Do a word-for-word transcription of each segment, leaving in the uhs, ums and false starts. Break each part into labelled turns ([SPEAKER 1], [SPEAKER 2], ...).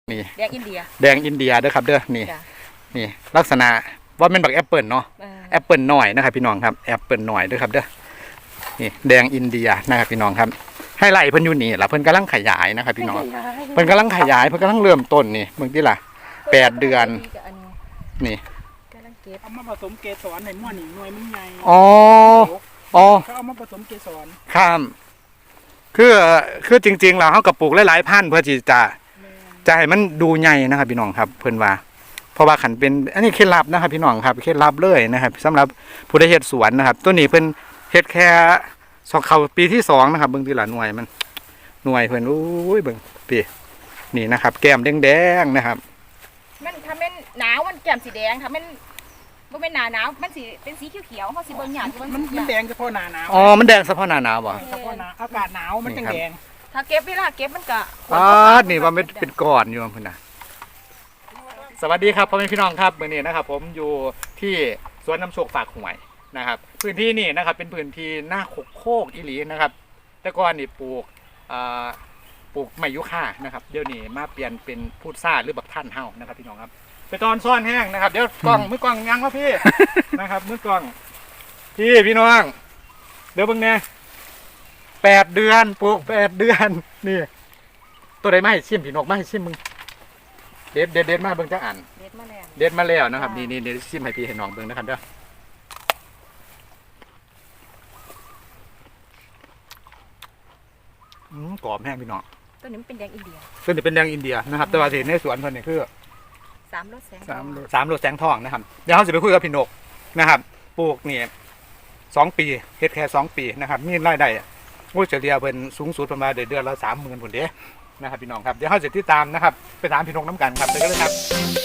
[SPEAKER 1] นี่
[SPEAKER 2] แดงอินเดีย
[SPEAKER 1] แดงอินเดียเด้อครับเด้อนี่นี่ลักษณะว่าเป็นบักแอปเปิลเนาะแอปเปิลหน่อยนะครับพี่น้องครับแอปเปิลหน่อยเด้อครับเด้อนี่แดงอินเดียนะครับพี่น้องครับให้ไล่เพิ่นอยู่นี่ล่ะเพิ่นกำลังขยายนะครับพี่น้องเพิ่นกำลังขยายเพิ่นกำลังเริ่มต้นนี่เบิ่งที่ล่ะแปดเดือนนี่
[SPEAKER 3] เอามาผสมเกสรในหม้อหนิงหน่วยมันใหญ่
[SPEAKER 1] อ๋ออ๋อ
[SPEAKER 3] เขาเอามาผสมเกสร
[SPEAKER 1] ครับคือคือจริงๆแล้วเฮาก็ปลูกหลายๆพันธุ์เพื่อที่จะจะให้มันดูใหญ่นะครับพี่น้องครับเพิ่นว่าเพราะว่าขันเป็นอันนี้เคล็ดลับนะครับพี่น้องครับเคล็ดลับเลยนะครับสำหรับผู้ได้เฮ็ดสวนนะครับตัวนี้เพิ่นเฮ็ดแค่สองเข้าปีที่สองนะครับเบิ่งทีละหน่วยมันหน่วยเพิ่นโอ้ยเบิ่งปีนี่นะครับแก้มแดงๆนะครับ
[SPEAKER 2] มันถ้าเป็นหนาวมันแก้มสีแดงถ้าเป็นบ่เป็นหนาหนาวมันสีเป็นสีเขียวๆเฮาสิเบิ่งหยาด
[SPEAKER 3] มันมันแดงเฉพาะหน้าหนาว
[SPEAKER 1] อ๋อมันแดงเฉพาะหน้าหนาวบ่
[SPEAKER 3] เฉพาะหน้าอากาศหนาวมันจังแดง
[SPEAKER 2] ถ้าเก็บเวลาเก็บมันก็
[SPEAKER 1] อ๋อนี่ว่ามันเป็นก้อนอยู่พุ่นน่ะสวัสดีครับพ่อแม่พี่น้องครับมื้อนี้นะครับผมอยู่ที่สวนน้ำโชคฝากหวยนะครับพื้นที่นี่นะครับเป็นพื้นที่หน้าโคกโคกอีหลีนะครับแต่ก่อนนี่ปลูกปลูกไม้ยุค่านะครับเดี๋ยวนี้มาเปลี่ยนเป็นพุทราหรือบักท่านเฮานะครับพี่น้องครับไปตอนซ่อนแห้งนะครับเดี๋ยวกล้องมือกล้องยังวะพี่ นะครับมือกล้องพี่พี่น้องเดี๋ยวเบิ่งแน่แปดเดือนปลูกแปดเดือนนี่ตัวใดไม่ให้ชิมพี่นกไม่ให้ชิมมึงเด็ดเด็ดเด็ดมาเบิ่งจังอัน
[SPEAKER 2] เด็ดมาแล้ว
[SPEAKER 1] เด็ดมาแล้วนะครับนี่นี่เดี๋ยวชิมให้พี่ให้น้องเบิ่งนะครับเด้ออืมกรอบแห้งพี่น้อง
[SPEAKER 2] ตัวนี้มันเป็นแดงอินเดีย
[SPEAKER 1] ตัวนี้เป็นแดงอินเดียนะครับแต่ว่าที่ในสวนเพิ่นนี่คือ
[SPEAKER 2] สามรสแสง
[SPEAKER 1] สามรสสามรสแสงทองนะครับเดี๋ยวเราจะไปคุยกับพี่นกนะครับปลูกนี่สองปีเฮ็ดแค่สองปีนะครับมีรายได้มูลเฉลี่ยเป็นสูงสุดประมาณเดือนละสามหมื่นผลเด้นะครับพี่น้องครับเดี๋ยวเราจะติดตามนะครับไปถามพี่นกน้ำกันครับไปกันเลยครับ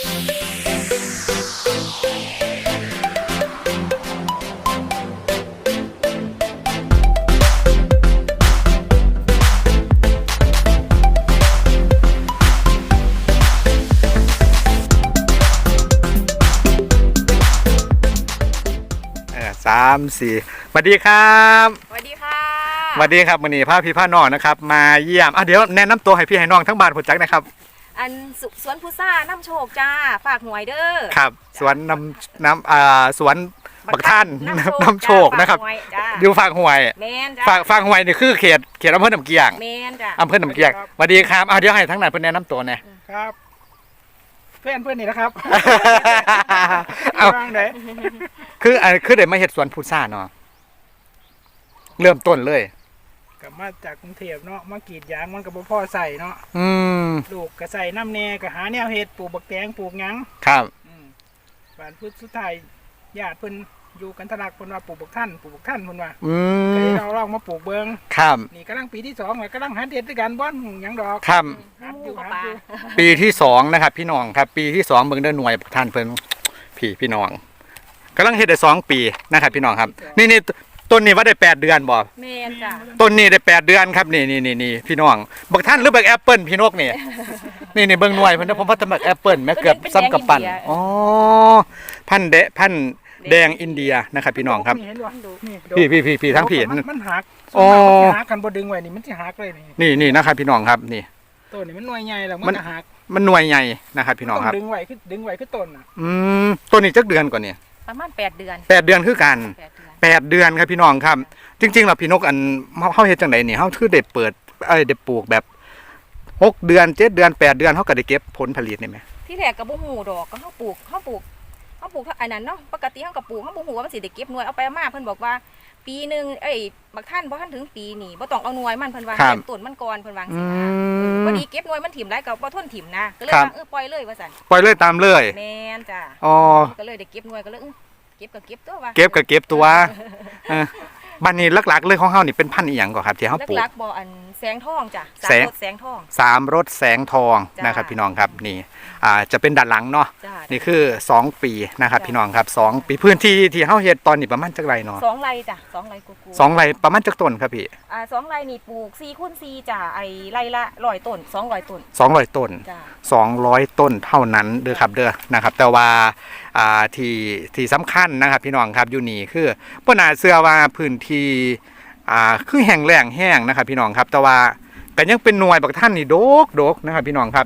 [SPEAKER 1] สามสี่สวัสดีครับ
[SPEAKER 2] สวัสดีค่ะ
[SPEAKER 1] สวัสดีครับวันนี้พาพี่พาน้องนะครับมาเยี่ยมอ่ะเดี๋ยวแนะนำตัวให้พี่ให้น้องทั้งบ้านผลจักนะครับ
[SPEAKER 2] อันสวนพุทราน้ำโชคจ้าฝากหวยเด้อ
[SPEAKER 1] ครับสวนน้ำน้ำอ่าสวนบักท่านน้ำโชคนะครับอยู่ฝากหวย
[SPEAKER 2] แมนจ้า
[SPEAKER 1] ฝากฝากหวยนี่คือเขตเขตอำเภอหนำเกียง
[SPEAKER 2] แมนจ้า
[SPEAKER 1] อำเภอหนำเกียงสวัสดีครับอ่ะเดี๋ยวให้ทั้งนั้นเพื่อนแนะนำตัวเนี่ย
[SPEAKER 3] ครับเพื่อนเพื่อนนี่นะครับ
[SPEAKER 1] เอาคืออ่าคือเดี๋ยวมาเห็ดสวนพุทราเนาะเริ่มต้นเลย
[SPEAKER 3] กลับมาจากกรุงเทพเนาะมากรีดยางมันกับพ่อใส่เนาะ
[SPEAKER 1] อืม
[SPEAKER 3] ลูกก็ใส่น้ำแน่ก็หาแนวเห็ดปลูกบักแตงปลูกยัง
[SPEAKER 1] ครับ
[SPEAKER 3] บ้านพุทธสุดท้ายญาติเพิ่นอยู่กันทะลักเพิ่นว่าปลูกบักท่านปลูกบักท่านเพิ่นว่า
[SPEAKER 1] อืม
[SPEAKER 3] เราลองมาปลูกเบิ้ง
[SPEAKER 1] ครับ
[SPEAKER 3] นี่กำลังปีที่สองเลยกำลังหาเด็ดด้วยกันบ้อนยังดอก
[SPEAKER 1] ครับ
[SPEAKER 3] อยู่หาอยู่
[SPEAKER 1] ปีที่สองนะครับพี่น้องครับปีที่สองเบิ่งได้หน่วยบักท่านเพิ่นพี่พี่น้องกำลังเฮ็ดได้สองปีนะครับพี่น้องครับนี่นี่ต้นนี้ว่าได้แปดเดือนบ่
[SPEAKER 2] แม่นจ้ะ
[SPEAKER 1] ต้นนี้ได้แปดเดือนครับนี่นี่นี่นี่พี่น้องบักท่านหรือบักแอปเปิ้ลพี่นกนี่นี่นี่เบิ่งหน่วยเพิ่นนะผมว่าจะบักแอปเปิ้ลแม่เกือบซ้ำกับปั่นอ๋อพันเดะพันแดงอินเดียนะครับพี่น้องครับพี่พี่พี่พี่ทั้งพี่
[SPEAKER 3] มันหัก
[SPEAKER 1] อ๋อ
[SPEAKER 3] หักกันบ่ดึงไว้นี่มันสิหักเลย
[SPEAKER 1] นี่นี่นะครับพี่น้องครับนี่
[SPEAKER 3] ต้นนี่มันหน่วยใหญ่แล้วมันหัก
[SPEAKER 1] มันหน่วยใหญ่นะครับพี่น้องครับ
[SPEAKER 3] ดึงไว้คือดึงไว้คือต้นน่ะ
[SPEAKER 1] อืมต้นนี้จักเดือนกว่านี่
[SPEAKER 2] ประมาณแปดเดือน
[SPEAKER 1] แปดเดือนคือกันแปดเดือนครับพี่น้องครับจริงๆเราพี่นกอันเฮาเฮ็ดจังไดนี่เฮาคือได้เปิดเอ้ยได้ปลูกแบบหกเดือนเจ็ดเดือนแปดเดือนเฮาก็ได้เก็บผลผลิตนี่แหม
[SPEAKER 2] ที่แรกก็บ่ฮู้ดอกก็เฮาปลูกเฮาปลูกเฮาปลูกอันนั้นเนาะปกติเฮาก็ปลูกเฮาบ่ฮู้ว่ามันสิได้เก็บหน่วยเอาไปมาเพิ่นบอกว่าปีนึงเอ้ยบักท่านบ่ทันถึงปีนี่บ่ต้องเอาหน่วยมันเพิ่นว่าให้ต้นมันก่อนเพิ่นว่าจังซี่นะพอดีเก็บหน่วยมันถิ่มหลายก็บ่ทนถิ่มนะก็เลยว่าเออปล่อยเลยว่าซั่น
[SPEAKER 1] ปล่อยเลยตามเลย
[SPEAKER 2] แม่นจ้ะ
[SPEAKER 1] อ๋อ
[SPEAKER 2] ก็เลยได้เก็บหน่วยก็เลยเก็บก็เก็บตัวว่า
[SPEAKER 1] เก็บก็เก็บตัวบ้านนี้หลักๆเลยของเฮานี่เป็นพันธุ์อีหยังก่อครับที่เฮาปลูก
[SPEAKER 2] หลักๆบ่อันแสงทองจ้ะสามรถแสงทอง
[SPEAKER 1] สามรถแสงทองนะครับพี่น้องครับนี่อ่าจะเป็นด้านหลังเนาะนี่คือสองปีนะครับพี่น้องครับสองปีพื้นที่ที่เฮาเฮ็ดตอนนี้ประมาณจักไรเนาะ
[SPEAKER 2] สองไร่จ้ะสองไร่กู
[SPEAKER 1] ๆสองไร่ประมาณจักต้นครับพี่
[SPEAKER 2] อ่าสองไร่นี่ปลูกสี่คูณสี่จ้ะไอ้ไร่ละร้อยต้นสองร้อยต้น
[SPEAKER 1] สองร้อยต้นสองร้อยต้นเท่านั้นเด้อครับเด้อนะครับแต่ว่าอ่าที่ที่สำคัญนะครับพี่น้องครับอยู่นี่คือบ่น่าเชื่อว่าพื้นที่อ่าคือแห้งแล้งแห้งนะครับพี่น้องครับแต่ว่าก็ยังเป็นหน่วยบักท่านนี่โดกโดกนะครับพี่น้องครับ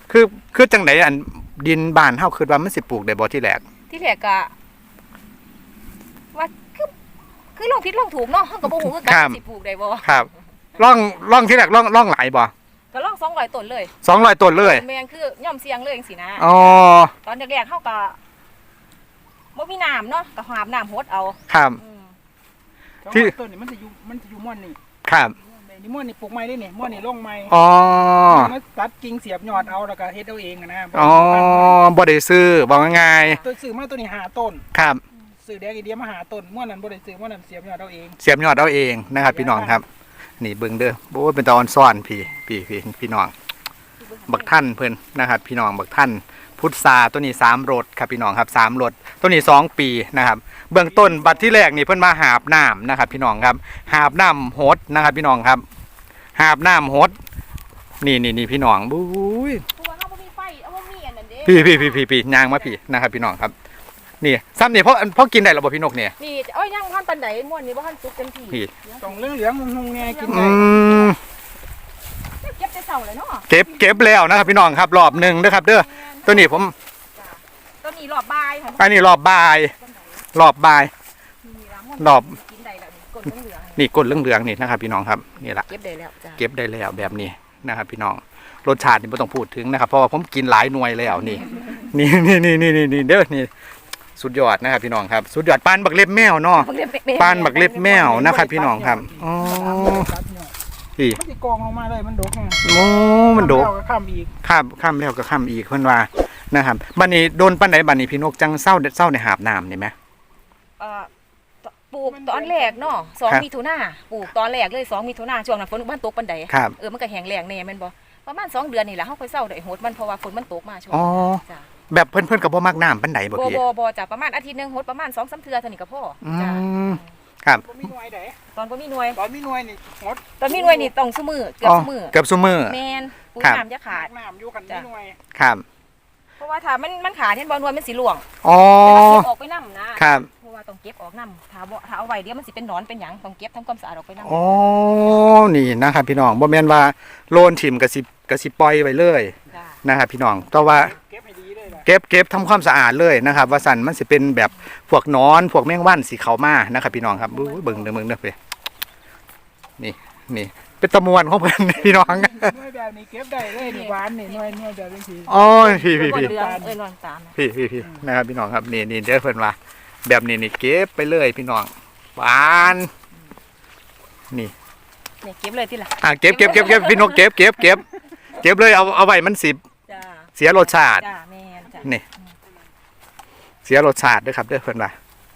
[SPEAKER 1] คือคือจังไดอันดินบ้านเฮาคิดว่ามันสิปลูกได้บ่ที่แรก
[SPEAKER 2] ที่แรกก็ว่าคือคือลองผิดลองถูกเนาะเฮาก็บ่ฮู้คือกั
[SPEAKER 1] ครับ
[SPEAKER 2] นสิปลูกได้บ่
[SPEAKER 1] ครับร่องร่องที่แรกร่องร่องหลายบ่
[SPEAKER 2] ก็ลองสองร้อยต้นเลย
[SPEAKER 1] สองร้อยต้นเลย
[SPEAKER 2] แม่นคือย่อมเสียงเลยจังซี่นะ
[SPEAKER 1] อ๋อ
[SPEAKER 2] ตอนแรกๆเฮาก็บ่มีน้ำเนาะก็หาบน้ำหดเอา
[SPEAKER 1] ครับ
[SPEAKER 2] อืม
[SPEAKER 1] ที่
[SPEAKER 3] ต้นนี่มันจะอยู่มันจะอยู่ม่วนนี่
[SPEAKER 1] ครับ
[SPEAKER 3] นี่ม่วนนี่ปลูกไม้ได้นี่ม่วนนี่ลงไม้
[SPEAKER 1] อ๋อ
[SPEAKER 3] มันตัดกิ่งเสียบยอดเอาแล้วก็เฮ็ดเอาเองอะนะ
[SPEAKER 1] อ๋อบ่ได้ซื้อบอกง่าย
[SPEAKER 3] ตัวซื้อมาตัวนี้หาต้น
[SPEAKER 1] ๆครับ
[SPEAKER 3] ซื้อแดงอีเดียมาหาต้นม่วนนั้นบ่ได้ซื้อม่วนนั้นเสียบยอดเอาเอง
[SPEAKER 1] เสียบยอดเอาเองนะครับ พี่น้องครับ นี่เบิ่งเด้อโอ้ยเป็นตาออนซ่อนพี่พี่พี่พี่น้อง บักท่านเพิ่นนะครับ พี่น้องบักท่านพุทธาตัวนี้สามรถครับพี่น้องครับสามรถตัวนี้สองปีนะครับ เบื้องต้นบัดที่แรกนี่เพิ่นมาหาบน้ำนะครับ พี่น้องครับหาบน้ำโหดนะครับ พี่น้องครับหาบน้ำโหดนี่นี่นี่พี่น้องบุ้ย
[SPEAKER 2] เพราะว่าเฮาบ่มีไฟเอาบ่มีอันนั้นเด้
[SPEAKER 1] พี่พี่พี่พี่พี่ยางมาพี่นะครับ พี่น้องครับ นี่ซ้ำนี่เพราะเพราะกินได้หรอบ่พี่นกเนี่ย
[SPEAKER 2] นี่เอ้ยยังบ่ทันปานใดม่วนนี่บ่ทันสุกเต็มที่
[SPEAKER 1] พี่
[SPEAKER 3] ต้องเหลืองๆงงๆแงกิน
[SPEAKER 1] อื
[SPEAKER 3] ได้
[SPEAKER 1] ม
[SPEAKER 2] เก็บแต่เช้าเลยเนาะ
[SPEAKER 1] เก็บเก็บแล้วนะครับ พี่น้องครับรอบหนึ่งนะครับ เด้อตัวนี้ผม
[SPEAKER 2] ตัวนี้รอบบ่ายค่ะ
[SPEAKER 1] อันนี้รอบบ่าย รอบบ่าย
[SPEAKER 2] นี่ล่ะม่วน
[SPEAKER 1] รอบ
[SPEAKER 2] กินได้แล้วนี่กดเหลืองๆ
[SPEAKER 1] นี่ก้นเหลืองๆนี่นะครับ พี่น้องครับนี่ละ
[SPEAKER 2] เก็บได้แล้วจ้ะ
[SPEAKER 1] เก็บได้แล้วแบบนี้นะครับ พี่น้องรสชาตินี่ไม่ต้องพูดถึงนะครับเพราะว่าผมกินหลายหน่วยแล้วนี่นี่นี่นี่นี่นี่เด้อนี่สุดยอดนะครับ พี่น้องครับสุดยอดปานบักเล็บแมวเนาะปานบักเล็บแมวนะครับ พี่น้องครับอ๋อ
[SPEAKER 3] ตัดยอด
[SPEAKER 1] พี่
[SPEAKER 3] มันสิกองลงมาเลยมันดกไง
[SPEAKER 1] โอ้มันโดก
[SPEAKER 3] แล้วก็ค้ำอีก
[SPEAKER 1] ข้ามข้ามแล้วก็ข้ามอีกเพิ่นว่านะครับบัดนี้โดนปานใดบัดนี้พี่นกจังเศร้าเศร้าในหาบน้ำนี่ไหม
[SPEAKER 2] เอ่อปลูกตอนแรกเนาะสอง
[SPEAKER 1] ครับ
[SPEAKER 2] มิถุนาปลูกตอนแรกเลยสองมิถุนาช่วงนั้นฝนบ้านตกปานใด
[SPEAKER 1] ครับ
[SPEAKER 2] เออมันก็แห้งแล้งแน่แม่นบ่ประมาณสองเดือนนี่แหละเฮาค่อยเศร้าได้โหดมันเพราะว่าฝนมันตกมาช่วง
[SPEAKER 1] อ๋อ
[SPEAKER 2] จ้ะ
[SPEAKER 1] แบบเพิ่นเพิ่นก็บ่มักน้ำปานใดบ่
[SPEAKER 2] บ่
[SPEAKER 1] พี่
[SPEAKER 2] บ่บ่จ้ะประมาณอาทิตย์หนึงโหดประมาณ สองสาม เทื่อเท่านี้ก็พอ
[SPEAKER 1] อื
[SPEAKER 2] จ้ะ
[SPEAKER 1] มครับ
[SPEAKER 3] บ่มีหน่วยใด
[SPEAKER 2] ตอนบ่มีหน่วย
[SPEAKER 3] ตอนมีหน่วยนี่หด
[SPEAKER 2] ตอนมีหน่วยนี่ต้องซุมื้อเกือบซุมื้อ
[SPEAKER 1] เกือบซุมื้อ
[SPEAKER 2] แม่นปุ๋ย
[SPEAKER 1] ครับ
[SPEAKER 2] น้ำจะขาด
[SPEAKER 3] น้ำอยู่กันมีหน่วย
[SPEAKER 1] ครับ
[SPEAKER 2] เพราะว่าถ้ามันมันขาดเห็นบ่หน่วยมันสิร่วง
[SPEAKER 1] อ๋อ
[SPEAKER 2] แต่ว่าเก็บออกไปนำนะครับ เพราะว่าต้องเก็บออกนำถ้าบ่ถ้าเอาไว้เดี๋ยวมันสิเป็นหนอนเป็นหยังต้องเก็บทำความสะอาดออกไปนำ
[SPEAKER 1] อ๋อนี่นะครับ พี่น้องบ่แม่นว่าโลนถิ่มก็สิก็สิปล่อยไว้เลย
[SPEAKER 2] จ้ะ
[SPEAKER 1] นะครับ พี่น้องแต่ว่า
[SPEAKER 3] เก็บให้ดีเลยล่ะ
[SPEAKER 1] เก็บเก็บทำความสะอาดเลยนะครับ ว่าสันมันสิเป็นแบบพวกหนอนพวกแมงวันสีเขามานะครับ พี่น้องครับอู้ยเบิ่งเด้อเบิ่งเด้อเพิ่นนี่นี่เป็นตะมวนของเพิ่น พี่น้อง
[SPEAKER 3] หน่วยแบบนี้เก็บได้เลยนี่หวานนี่หน่วยหน่วยแบบนี้สิ
[SPEAKER 1] อ๋อพี่พี่
[SPEAKER 2] บ่
[SPEAKER 1] พี่
[SPEAKER 2] เดืองเอ้ยนอนตามนะ
[SPEAKER 1] พี่พี่พี่นะครับพี่น้องครับนี่นี่เด้อเพิ่นว่า แบบนี้นี่เก็บไปเลยพี่น้องหวานนี่
[SPEAKER 2] นี่เก็บเลยที่ละ
[SPEAKER 1] อ่ะเก็บเก็บเก็บเก็บพี่นกเก็บเก็บเก็บเก็บเลยเอาเอาไว้มันสิ
[SPEAKER 2] จ้า
[SPEAKER 1] เสียรสชาติ
[SPEAKER 2] จ้าแม่นจ้า
[SPEAKER 1] นี่ เสียรสชาติด้วยครับเด้อเพิ่นว่า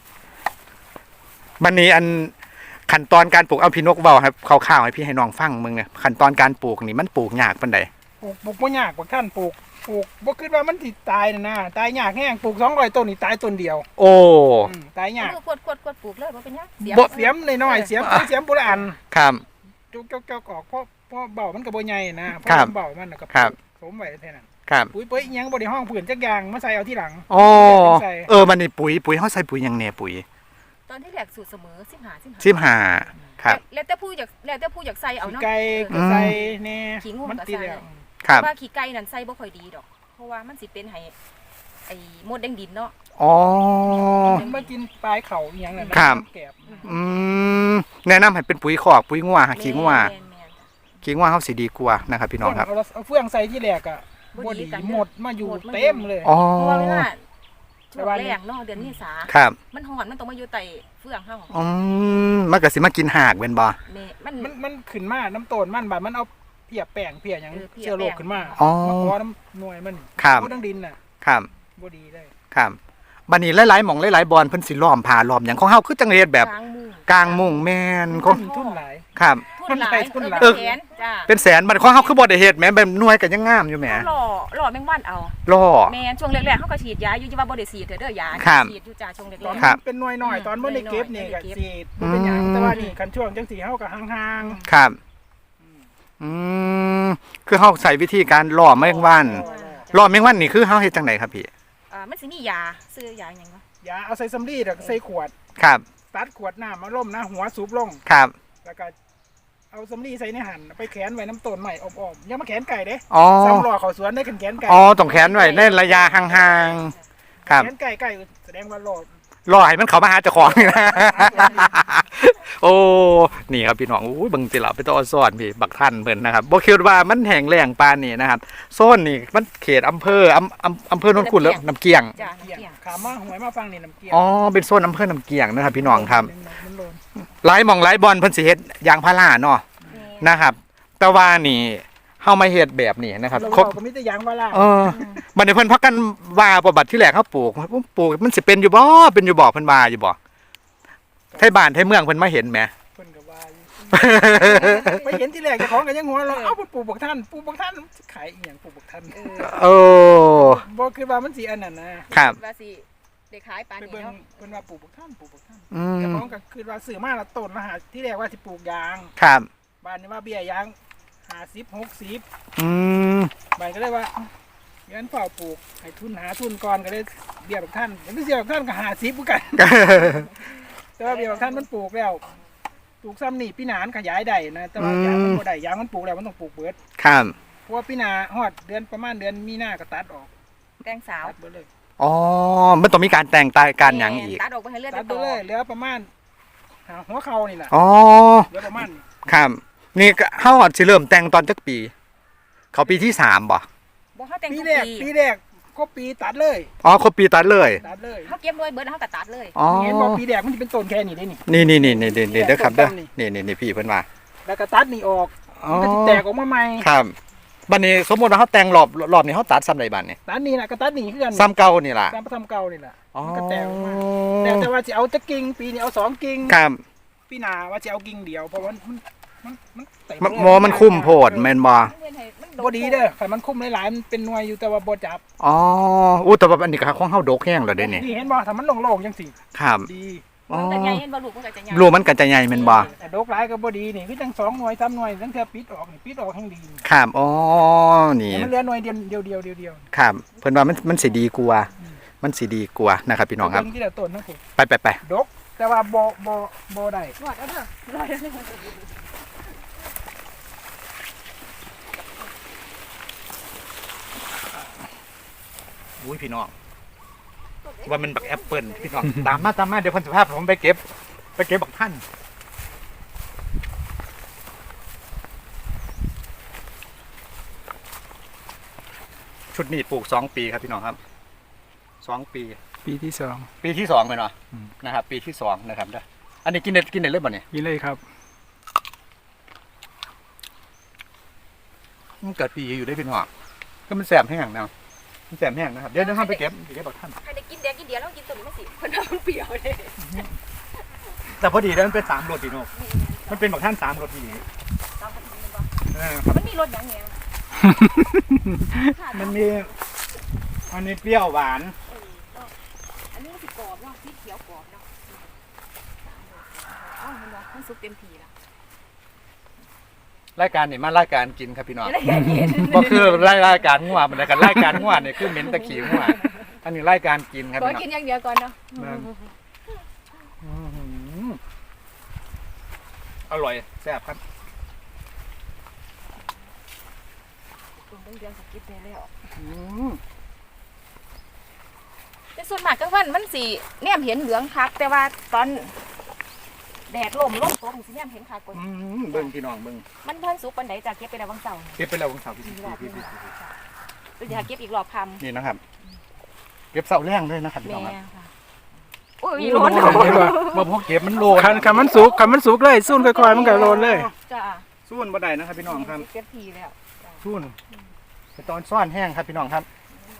[SPEAKER 1] บัดนี้อันขั้นตอนการปลูกเอาพี่นกเว้าครับคร่าวๆให้พี่ให้น้องฟังมึงเนี่ยขั้นตอนการปลูกนี่มันปลูกยากปานใด
[SPEAKER 3] ปลูกปลูกบ่ยากกว่าท่านปลูกปลูกบ่คิดว่ามันสิตายน่ะนะตายยากแฮงปลูกสองร้อยต้นนี่ตายต้นเดียว
[SPEAKER 1] โอ้
[SPEAKER 3] อืมตายยาก
[SPEAKER 2] มือกดกดกดปลูกเลยว่าเป็นหยังเสีย
[SPEAKER 3] บ่ เสียมน้อยๆเสียมเสียมบ่ละอัน
[SPEAKER 1] ครับ
[SPEAKER 3] จุกๆๆออกเพราะเพราะเบามันก็บ่ใหญ่นะเพราะ
[SPEAKER 1] ครับ
[SPEAKER 3] มันเบามันน่ะก็
[SPEAKER 1] ครับ
[SPEAKER 3] สมไว้แค่นั้น
[SPEAKER 1] ครับ
[SPEAKER 3] ปุ๋ยเปิ้ยอิหยังบ่ได้ห้องผืนจักอย่างมาใส่เอาที่หลัง
[SPEAKER 1] โอ้
[SPEAKER 3] ใส่
[SPEAKER 1] เออบัดนี้ปุ๋ยปุ๋ยเฮาใส่ปุ๋ยหยังแหน่ปุ๋ย
[SPEAKER 2] ตอนที่แรกสูตรเสมอสิบห้าสิบห้า
[SPEAKER 1] สิบห้าครับ
[SPEAKER 2] แล้วแต่ผู้อยากแล้วแต่ผู้อยากใส่เอา
[SPEAKER 3] ขี้
[SPEAKER 2] เนาะ
[SPEAKER 3] ไก่
[SPEAKER 2] เอ
[SPEAKER 3] ก็
[SPEAKER 2] อ
[SPEAKER 3] ใส่แน่
[SPEAKER 2] ขี้งู
[SPEAKER 3] มัน
[SPEAKER 2] ก็
[SPEAKER 3] ติด
[SPEAKER 2] ใส่
[SPEAKER 3] แล้ว
[SPEAKER 1] ครับ
[SPEAKER 2] ว่าขี้ไก่นั่นใส่บ่ค่อยดีดอก เพราะว่ามันสิเป็นให้ไอ้มดแดงดินเนาะ
[SPEAKER 1] อ๋อ
[SPEAKER 3] มันมากินปลายเข่าอีหยังนั่นนะครับ แกบ
[SPEAKER 1] อืมแนะนำให้เป็นปุ๋ยคอกปุ๋ยงัวขี้งัว
[SPEAKER 2] แม่นแม่นจ้ะ
[SPEAKER 1] ขี้งัวเฮาสิดีกว่านะครับ พี่น้องครับ
[SPEAKER 3] เอาเอาเฟืองใส่ที่แรกอ่ะ
[SPEAKER 2] บ่
[SPEAKER 3] บ่
[SPEAKER 2] ดี
[SPEAKER 3] ดี
[SPEAKER 2] กัน
[SPEAKER 3] หมดมาอยู่
[SPEAKER 2] หมดมาอยู่
[SPEAKER 3] เต็มเลย
[SPEAKER 1] อ๋อ
[SPEAKER 2] เพราะว่าเวลาช่วงแรกเนาะเดือนเมษา
[SPEAKER 1] ครับ
[SPEAKER 2] มันฮ้อนมันต้องมาอยู่ใต้เฟืองเฮา
[SPEAKER 1] อืมมันก็สิมากินหากเป็นบ่
[SPEAKER 2] แม่มัน
[SPEAKER 3] มันมันขึ้นมาน้ำต้นมันบาดมันเอาเพียแป้งเพียหยัง
[SPEAKER 2] เออเพีย
[SPEAKER 3] เชื้อโรคขึ้นมา
[SPEAKER 1] อ๋อ
[SPEAKER 3] มาขอน้ำหน่วยมัน
[SPEAKER 1] ครับ
[SPEAKER 3] บ่ต้องดินน่ะ
[SPEAKER 1] ครับ
[SPEAKER 3] บ่ดีเลย
[SPEAKER 1] ครับบัดนี้หลายๆหม่องหลายๆบอนเพิ่นสิล้อมผ่าล้อมหยังของเฮาคือจังเฮ็ดแบบ
[SPEAKER 2] กลางมุง
[SPEAKER 1] กลางมุงแม่นข
[SPEAKER 3] ทุ
[SPEAKER 1] อง
[SPEAKER 3] นทุนหลาย
[SPEAKER 1] ครับ
[SPEAKER 2] ทุนหลาย
[SPEAKER 3] ทุนหลาย
[SPEAKER 2] เออเป็นแสนจ้า
[SPEAKER 1] เป็นแสนบัดของเฮาคือบ่ได้เฮ็ดแหมแบบหน่วยก็ยังงามอยู่แหม
[SPEAKER 2] เขาหล่อหล่อแมงวันเอา
[SPEAKER 1] ล่อ
[SPEAKER 2] แม่นช่วงแรกๆเขาก็ฉีดยาอยู่ที่ว่าบ่ได้ฉีดเด้อเด้อยา
[SPEAKER 1] ครับ
[SPEAKER 2] ฉีดอยู่จ้าช่วงแร
[SPEAKER 3] ตอน
[SPEAKER 2] ก
[SPEAKER 1] ครับ
[SPEAKER 3] เป็นหน่วยหน่อยตอนบ่ได้เก็บนี่
[SPEAKER 2] หน่
[SPEAKER 3] ก็
[SPEAKER 2] อยๆ
[SPEAKER 3] สิบ่เป็นหยัง
[SPEAKER 1] อืม
[SPEAKER 3] แต่ว่านี่คันช่วงจังสีเฮาก็ห่าง
[SPEAKER 1] ครับ อืมคือเฮาใช้วิธีการล่อแมงวัน
[SPEAKER 2] ๆ
[SPEAKER 1] ล่อแมงวันนี่คือเฮาเฮ็ดจังไดครับพี่
[SPEAKER 2] อ่ามันสิมียาซื้อยาหยังวะ
[SPEAKER 3] ๆยาเอาใส่สำลีแล้วก็ใส่ขวด
[SPEAKER 1] ครับ
[SPEAKER 3] ตัดขวดน้ำมาล่มนะหัวสูบลง
[SPEAKER 1] ครับ
[SPEAKER 3] แล้วก็เอาสำลีใส่ในหั่นไปแขวนไว้น้ำต้นใหม่อ้อมๆอย่ามาแขวนไก่เด้
[SPEAKER 1] อ๋อ
[SPEAKER 3] ซ้ำรอเขาสวนได้แขนแขนไก่
[SPEAKER 1] อ๋อต้องแขนไว้ในระยะห่างๆครับ
[SPEAKER 3] แขนไก่ไก่แสดงว่ารอ
[SPEAKER 1] รอให้มันเขามาหาเจ้าของนี่นะ โอ้นี่ครับพี่น้องอุ้ยเบิ่งสิล่ะไปต่อซ้อนพี่บักท่านเพิ่นนะครับบ่คิดว่ามันแห้งแล้งปานนี้นะครับโซนนี่มันเขตอำเภออำอำอำเภอโนนขุนแล้วน้ำเกียง
[SPEAKER 2] จ้ะ
[SPEAKER 3] เกี่ยง
[SPEAKER 2] เกี่ยง
[SPEAKER 3] ขามาหวยมาฟังนี่น้ำเกี่ยง
[SPEAKER 1] อ๋อเป็นโซนอำเภอน้ำเกียงนะครับพี่น้องครับ
[SPEAKER 3] มันโลน
[SPEAKER 1] หลายหม่องหลายบอนเพิ่นสิเฮ็ดยางพาราเนาะนะครับ แต่ว่านี่เฮามาเฮ็ดแบบนี้นะครับ
[SPEAKER 3] เรา
[SPEAKER 1] ครบ
[SPEAKER 3] ก็มีแต่ยางว่าล่า
[SPEAKER 1] เออบัดนี้เพิ่นพักกันว่าบ่บัดที่แรกเฮาปลูกปลูกมันสิเป็นอยู่บ่เป็นอยู่บ่เพิ่นว่าอยู่บ่ไทบ้านไทเมืองเพิ่นมาเห็นแหม
[SPEAKER 3] เพิ่นก็ว่าอยู่ไปเห็นที่แรกเจ้าของก็ยังหัวเราะเอ้าเพิ่นปลูกบักท่านปลูกบักท่านขายอีหยังปลูกบักท่าน
[SPEAKER 1] โอ้
[SPEAKER 3] บ่คือว่ามันสิอันนั้นนะครับ
[SPEAKER 2] ว่าสิได้ขายปาน
[SPEAKER 3] ไป
[SPEAKER 2] นี้
[SPEAKER 3] เบิ่ง
[SPEAKER 2] เนาะ
[SPEAKER 3] เพิ่นว่าปลูกบักท่านปลูกบักท่าน
[SPEAKER 1] อื
[SPEAKER 3] เจ้าม ของก็คือว่าซื้อมาละต้นละหาที่แรกว่าสิปลูกยาง
[SPEAKER 1] ครับ
[SPEAKER 3] บ้านนี้ว่าเบี้ยยางห้าสิบ หกสิบ
[SPEAKER 1] อืม
[SPEAKER 3] บ้านก็เลยว่างั้นเฝ้าปลูกให้ทุนหาทุนก่อนก็เลยเบี้ยบักท่านเห็นเบี้ยบักท่านก็ห้าสิบเหมือนกัน แต่ว่าเบี้ยบักท่านมันปลูกแล้วปลูกซ้ำนี่ปีหนานขยายได้นะแต่ว่ายางมันบ่ได้ยางมันปลูกแล้วมันต้องปลูกเบิด
[SPEAKER 1] ครับ
[SPEAKER 3] เพราะว่าปีหนาฮอดเดือนประมาณเดือนมีนาก็ตัดออก
[SPEAKER 2] แตงสาว
[SPEAKER 3] ตัดเบิดเลย
[SPEAKER 1] อ๋อมันต้องมีการแต่งตายการหยังอีก
[SPEAKER 2] ตัดออกไปให้เลือด
[SPEAKER 3] ตัด
[SPEAKER 2] ต่
[SPEAKER 3] เบิด
[SPEAKER 2] อ
[SPEAKER 3] เลยเหลือประมาณหาหัวเข่านี่แหละ
[SPEAKER 1] อ๋อ
[SPEAKER 3] เหลือประมาณนี้
[SPEAKER 1] ครับนี่ก็เฮาอาจสิเริ่มแต่งตอนจักปี เขาปีที่สามบ่
[SPEAKER 2] บ่เฮาแต่ง
[SPEAKER 3] ปี
[SPEAKER 2] ทุก
[SPEAKER 3] แรก
[SPEAKER 2] ปี
[SPEAKER 3] ปีแรกก็ปีตัดเลย
[SPEAKER 1] อ๋อครบปีตัดเลย
[SPEAKER 3] ตัดเลย
[SPEAKER 2] เฮาเก็บด้วยเบิดแล้วเฮาก็ตัดเลย
[SPEAKER 1] อ๋อ
[SPEAKER 3] เห็นบอกปีแรกมันจะเป็นต้นแค่นี้ได้นี่
[SPEAKER 1] นี่นี่นี่นี่นี่นี่เด้อครับเด้อ
[SPEAKER 3] ต้นนี่
[SPEAKER 1] นี่นี่นี่พี่เพิ่นว่า
[SPEAKER 3] แล้วก็ตัดนี่ออก
[SPEAKER 1] อ๋อ
[SPEAKER 3] มันก็สิแตกออกมาใหม่
[SPEAKER 1] ครับบัดนี้สมมุติว่าเฮาแต่งรอบรอบนี้เฮาตัดซ้ำใดบัดนี้
[SPEAKER 3] ตัดนี่นะก็ตัดนี่คือกัน
[SPEAKER 1] ซ้ำเก่านี่ล่ะ
[SPEAKER 3] ตามประทำเก่านี่แหละ
[SPEAKER 1] อ๋อ
[SPEAKER 3] มันก็แตกออกมาแต่แต่ว่าจะเอาจะกิ่งปีนี้เอาสองกิ่ง
[SPEAKER 1] ครับ
[SPEAKER 3] ปีหนาว่าจะเอากิ่งเดียวเพราะว่ามันมันมันเต็
[SPEAKER 1] มัน
[SPEAKER 3] เลย
[SPEAKER 1] หมอมันคุ้มโพดแม่นบ่
[SPEAKER 2] มันเวียนให้มัน
[SPEAKER 3] บ่ดีเด้อถ้ามันคุ้มหลายๆมันเป็นหน่วยอยู่แต่ว่าบ่จับ
[SPEAKER 1] อ๋ออู้แต่ว่าอันนี้ก็ของเฮาดกแห้งแล้วเด้นี่
[SPEAKER 3] นี่เห็นบ่ถ้ามันโล่งๆจังสิ
[SPEAKER 1] ครับ
[SPEAKER 3] ดี
[SPEAKER 1] อ๋อ
[SPEAKER 2] มันจะใหญ่เห็นบ่ลูกมันก็จะใหญ่
[SPEAKER 1] รูมันก็จะใหญ่แม่นบ่
[SPEAKER 3] แต่ดกหลายก็บ่ดีนี่คือจังสองหน่วยสามหน่วยตั้งแต่ปิดออกนี่ปิดออกแห่งดีนี่
[SPEAKER 1] ครับอ๋อนี่
[SPEAKER 3] แต่มันเหลือหน่วยเดียวเดียวเดียวเดียวเดียว
[SPEAKER 1] ครับเพิ่นว่ามันมันสิดีกว่ามันสิดีกว่านะครับพี่น้องครับ
[SPEAKER 3] เบิ่ที่ละต้นนะผม
[SPEAKER 1] ไปไปไป
[SPEAKER 3] ดกแต่ว่าบ่บ่บ่ได้
[SPEAKER 2] รอดเอาเด้อรอดเอาเด้อ
[SPEAKER 1] อุ้ยพี่น้องว่ามันบักแอปเปิลพี่น้อง ตามมาตามมาเดี๋ยวคนสุภาพผมไปเก็บ ไปเก็บบักท่านชุดนี้ปลูกสองปีครับพี่น้องครับสองปี
[SPEAKER 3] ปีที่สอง
[SPEAKER 1] ปีที่สองเลยเนาะ
[SPEAKER 3] อืม
[SPEAKER 1] นะครับ ปีที่สองนะครับเด้ออันนี้กินเด็ดกินเด็ดเลยบ่เนี่ย
[SPEAKER 3] นี่เลยครับ
[SPEAKER 1] มันเกิดปีอยู่ได้พี่น้องก็มันแสบแห้งนะมันแสบแห้งนะครับเดี๋ยวเดี๋ยวห้ามไปเก็บไปเก็บบักท่าน
[SPEAKER 2] ใครได้กินแดงกินเดียวแล้วกินตัวนี้มันสิเพิ่นว่ามันเปรี้ยวเด้
[SPEAKER 1] แต่พอดีแล้วมันเป็นสามรสพี่น้องมันเป็นบักท่านสามรสพี่
[SPEAKER 2] ตามกันมันบ่
[SPEAKER 1] เออ
[SPEAKER 2] มันมีรสหยังแหน่
[SPEAKER 1] มันมีมันมีเปรี้ยวหวาน
[SPEAKER 2] เออเนาะอันนี้มันสิกรอบเนาะสีเขียวกรอบเนาะเอ้ามันว่ามันสุกเต็มที่แล้ว
[SPEAKER 1] รายการนี่มารายการกินครับพี่น้อง
[SPEAKER 2] จะได้เห็น
[SPEAKER 1] บ่คือรายรายการงัวมันกันรายการงัวนี่คือเหม็นตะขี้งัวอันนี้รายการกินครับ
[SPEAKER 2] ขอ
[SPEAKER 1] พี่น้อง
[SPEAKER 2] กินอย่างเดียวก่อนเนาะ
[SPEAKER 1] นั่น อื้อหืออร่อยแซ่บครับ
[SPEAKER 2] ตรงเดือนสกิปได้แล้ว
[SPEAKER 1] อืม
[SPEAKER 2] แต่ส่วนมากกลางวันมันสิแนมเห็นเหลืองคักแต่ว่าตอนแดดลมลมตกมันสิแนมเห็นคักกว่า
[SPEAKER 1] อืมเบิ่งพี่น้องเบิ่ง
[SPEAKER 2] มันเพิ่นสุกปานใดจ้ะเก็บไปแล้วบางเสาร์
[SPEAKER 1] เก็บไปแล้ววันเสาร์พี่
[SPEAKER 2] อีกรอบห
[SPEAKER 1] พี่
[SPEAKER 2] นึง
[SPEAKER 1] พี่พี่
[SPEAKER 2] จ้ะเป็นอยากเก็บอีกรอบคำ
[SPEAKER 1] นี่นะครับ เก็บเสาแรงด้วยนะครับพี่
[SPEAKER 2] แม่
[SPEAKER 1] น้องครับ
[SPEAKER 2] ค่ะโอ้ย
[SPEAKER 1] โอ้
[SPEAKER 2] ร้อน
[SPEAKER 1] โหมาพวกเก็บมันโลน
[SPEAKER 3] คันคันมันสุกคันมันสุกเลยสู้ค่อยๆมันก็โลนเลย
[SPEAKER 2] จ้ะ
[SPEAKER 1] สู้นบ่ได้นะครับพี่น้องครับ
[SPEAKER 2] เก็บทีแล้ว
[SPEAKER 1] สู้นไปตอนซ่อนแห้งครับพี่น้องครับ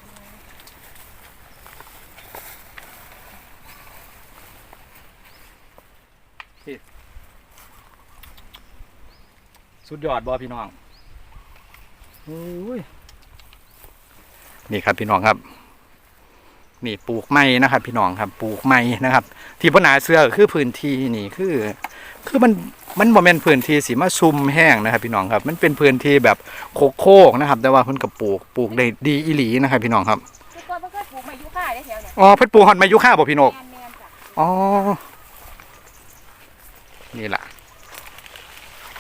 [SPEAKER 1] นี่สุดยอดบอพี่น้องอุ้ยนี่ครับพี่น้องครับ นี่ปลูกไม้นะครับ พี่น้องครับปลูกไม้นะครับ ที่พนาเสื้อก็คือพื้นที่นี่คือ คือมันมันบ่แม่นพื้นที่สีมาซุ่มแห้งนะครับ พี่น้องครับ มันเป็นพื้นที่แบบโคกๆนะครับ แต่ว่าเพิ่นก็ปลูกปลูกได้ดีอีหลีนะครับ พี่น้องครับ
[SPEAKER 2] คือก่อนเพิ่นเคยปลูกไม้ยูคาได้แถวเนี่ย
[SPEAKER 1] อ๋อเพิ่นปลูกฮอดไม้ยุค่าบ่พี่นก
[SPEAKER 2] แม่นๆจ้ะ
[SPEAKER 1] อ๋อนี่ล่ะ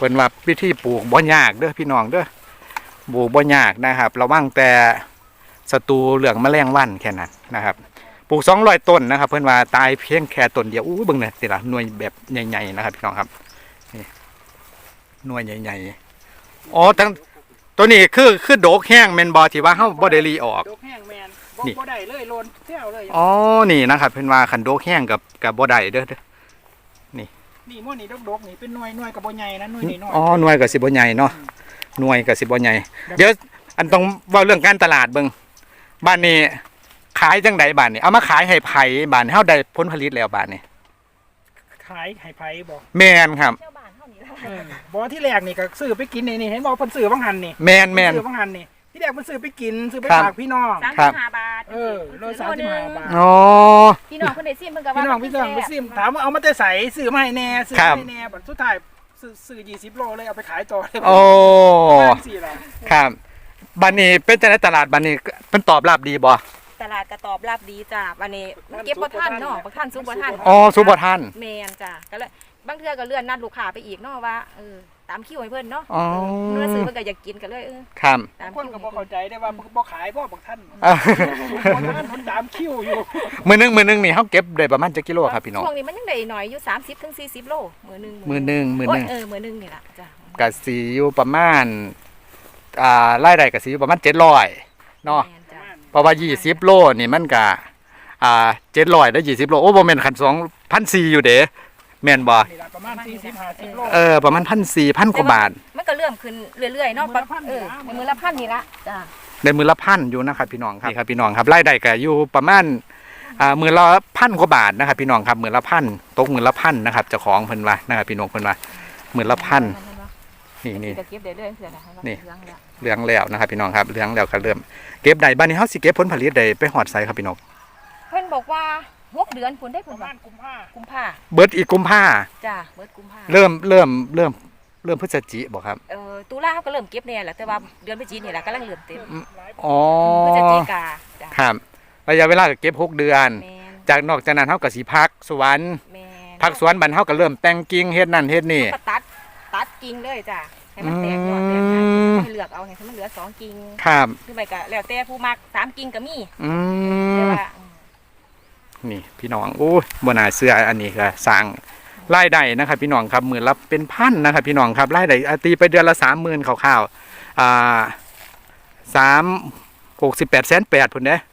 [SPEAKER 1] พิ่นว่าวิธีปลูกบ่ยากเด้อพี่น้องเด้อปลูกบ่ยากนะครับระวังแต่ศัตรูเหลืองแมลงวันแค่นั้นนะครับปลูกสองร้อยต้นนะครับเพิ่นว่าตายเพียงแค่ต้นเดียวอู้เบิ่งเนี่ยสิล่ะหน่วยแบบใหญ่ๆนะครับพี่น้องครับนี่หน่วยใหญ่ๆอ๋อตั้งตัวนี้คือคือโดกแห้งแม่นบ่ที่ว่าเฮาบ่ได้รีออก
[SPEAKER 3] ดอกแห้งแมนบ่
[SPEAKER 1] นี่
[SPEAKER 3] บ่ได้เลยโลนเที่ยวเลย
[SPEAKER 1] อ๋อนี่นะครับเพิ่นว่าคันโดกแห้งกับกับบ่ได้เด้อเด้อ
[SPEAKER 3] นี่ม้วนนี่ดกๆนี่เป็นหน่วยหน่วยกับบ่ใหญ่นะหน่วยนี่น้อย
[SPEAKER 1] อ๋อหน่วยก็สิบ่ใหญ่เนาะหน่วยก็สิบ่ใหญ่เดี๋ยวอันต้องเว้าเรื่องการตลาดเบิ่งบ้านนี้ขายจังไดบ้านนี้เอามาขายให้ไผบ้านเฮาได้ผลผลิตแล้วบ้านนี้
[SPEAKER 3] ขายให้ไผบ่
[SPEAKER 1] แม่นครับ
[SPEAKER 2] เที่ยวบ้านเท่านี้ละ
[SPEAKER 3] เออบ่ที่แรกนี่ก็ซื้อไปกินนี่นี่เห็นบอกเพิ่นซื้อบางหันนี่
[SPEAKER 1] แม่นแม่น
[SPEAKER 3] ซื้อบางหันนี่ที่แรกเพิ่นซื้อไปกินซื้อไป
[SPEAKER 1] ครับ
[SPEAKER 3] ฝากพี่น้อง
[SPEAKER 2] สาม
[SPEAKER 1] ครั
[SPEAKER 2] สิ
[SPEAKER 1] บ
[SPEAKER 2] บห้าบาท
[SPEAKER 3] เออโลสามสิบห้าบาท
[SPEAKER 1] อ๋อ
[SPEAKER 2] พี่น้องเพิ่นได้ซิมเพิ่นก็ว่า
[SPEAKER 3] พี่น้องพี่น้องไปซิมถามว่าเอามาแต่ใส่ซื้อมาให้แน่ซื้อ
[SPEAKER 1] ครับ
[SPEAKER 3] มาให้แน่บัดสุดท้ายซื้อซื้อยี่สิบโลเลยเอาไปขายต่อเลย
[SPEAKER 1] โอ้
[SPEAKER 3] สี่ละ
[SPEAKER 1] ครับบ้านนี้เป็นจังไดตลาดบ้านนี้เพิ่นตอบรับดีบ่
[SPEAKER 2] ตลาดก็ตอบรับดีจ้ะวันนี้มันเก็บบ่ทันเนาะบ่ทันซุปบ่ทัน
[SPEAKER 1] อ๋อสุบ่ทัน
[SPEAKER 2] แม่นจ้ะก็เลยบางเทื่อก็เลื่อนนัดลูกค้าไปอีกเนาะว่าเออตามคิวให้เพิ่นเนาะ
[SPEAKER 1] อ๋อ
[SPEAKER 2] เมื่อซื้อเพิ่นก็อยากกินก็เลยเออ
[SPEAKER 1] ครับ
[SPEAKER 2] ตาม
[SPEAKER 3] คน
[SPEAKER 2] คิว
[SPEAKER 3] ก็บ่เข้าใจได้ว่าบ่ขายบ่บักท่าน
[SPEAKER 1] อ่ะ
[SPEAKER 3] บ่ท่านเพิ่นตามคิวอยู่
[SPEAKER 1] มื้อนึงมื้อนึงนี่เฮาเก็บได้ประมาณจักกิโลครับพี่น้อง
[SPEAKER 2] ช่วงนี้มันยังได้หน่อยอยู่สามสิบถึงสี่สิบโลมื้อหนึง
[SPEAKER 1] มื้อนึงมื้อนึง
[SPEAKER 2] โยเออมื้อหนึงนี่ล่ะจ้ะ
[SPEAKER 1] ก็สิอยู่ประมาณอ่ารายได้ก็สิอยู่ประมาณเจ็ดร้อยเนาะ
[SPEAKER 2] แม่นจ้ะ
[SPEAKER 1] เพราะว่ายี่สิบโลนี่มันก็อ่าเจ็ดร้อยได้ยี่สิบโลโอ้บ่แม่นคันสองพันสี่อยู่เด้แม่นบ่
[SPEAKER 3] นี่ล่ะประมาณสี่สิบห้าสิบโล
[SPEAKER 1] เออประมาณพันสี่พันกว่าบาท
[SPEAKER 2] มันก็เริ่มขึ้นเรื่อยๆเนาะ
[SPEAKER 3] มื้อละพัน
[SPEAKER 2] เออ
[SPEAKER 3] นี่ล่ะ
[SPEAKER 2] มื้อละพันนี่ละจ้ะ
[SPEAKER 1] ได้มือละพันอยู่นะครับพี่น้องครับนี่ครับพี่น้องครับรายได้ก็อยู่ประมาณอ่ามือละพันกว่าบาทนะครับพี่น้องครับมือละพันตกมือละพันนะครับเจ้าของเพิ่นว่านะครับพี่น้องเพิ่นว่ามือละพันนี่นี่
[SPEAKER 2] ก็เก็บได้เรื่อยๆเสือนะ
[SPEAKER 1] นี่
[SPEAKER 2] เรื่องแล้ว
[SPEAKER 1] เหลืองแล้วนะครับพี่น้องครับเหลืองแล้วก็เริ่มเก็บได้บ้านนี้เฮาสิเก็บผลผลิตได้ไปฮอดไสครับพี่น้อง
[SPEAKER 2] เพิ่นบอกว่าหกเดือนพุ่นได้
[SPEAKER 3] ป
[SPEAKER 2] พุ่น
[SPEAKER 3] ระ
[SPEAKER 2] ว่า
[SPEAKER 3] มาณกุมภา
[SPEAKER 2] กุมภา
[SPEAKER 1] เบิดอีกกุมภา
[SPEAKER 2] จ้ะเบิดกุมภา
[SPEAKER 1] เริ่มเริ่มเริ่มเริ่มพฤศจิบ่ครับ
[SPEAKER 2] เออตุลาเขาก็เริ่มเก็บเนี่ยแหละแต่ว่าเดือนพฤศจิกายนนี่แหละกำลังเริ่มเต็ม
[SPEAKER 1] อ๋อ
[SPEAKER 2] พฤศจิกาจ้ะ
[SPEAKER 1] ครับระยะเวลาก็เก็บหกเดือน
[SPEAKER 2] แมน
[SPEAKER 1] จากนอกจากนั้นเฮาก็สิพักสวน
[SPEAKER 2] แมน
[SPEAKER 1] พักสวนบัดเฮาก็เริ่มแต่งกิ่งเฮ็ดนั่นเฮ็ดนี่
[SPEAKER 2] ก็ตัดตัดกิ่งเลยจ้ะให้มันแตกยอดแตก
[SPEAKER 1] อื
[SPEAKER 2] งาน
[SPEAKER 1] ม
[SPEAKER 2] ให้เลือกเอาให้มันเหลือสองกิ่ง
[SPEAKER 1] ครับ
[SPEAKER 2] คือไปก็แล้วแต่ผู้มักสามกิ่งก็มี
[SPEAKER 1] อื
[SPEAKER 2] แต่
[SPEAKER 1] ม
[SPEAKER 2] ว่า
[SPEAKER 1] นี่พี่น้องโอ้ยบนาเสื้ออันนี้ก็สร้างรายได้นะครับ พี่น้องครับหมื่นละเป็นพันนะครับ พี่น้องครับรายได้อ่ะตีไปเดือนละสามหมื่นคร่าวๆอ่าสามหกสิบแปดแสนแปดพุ่นเด้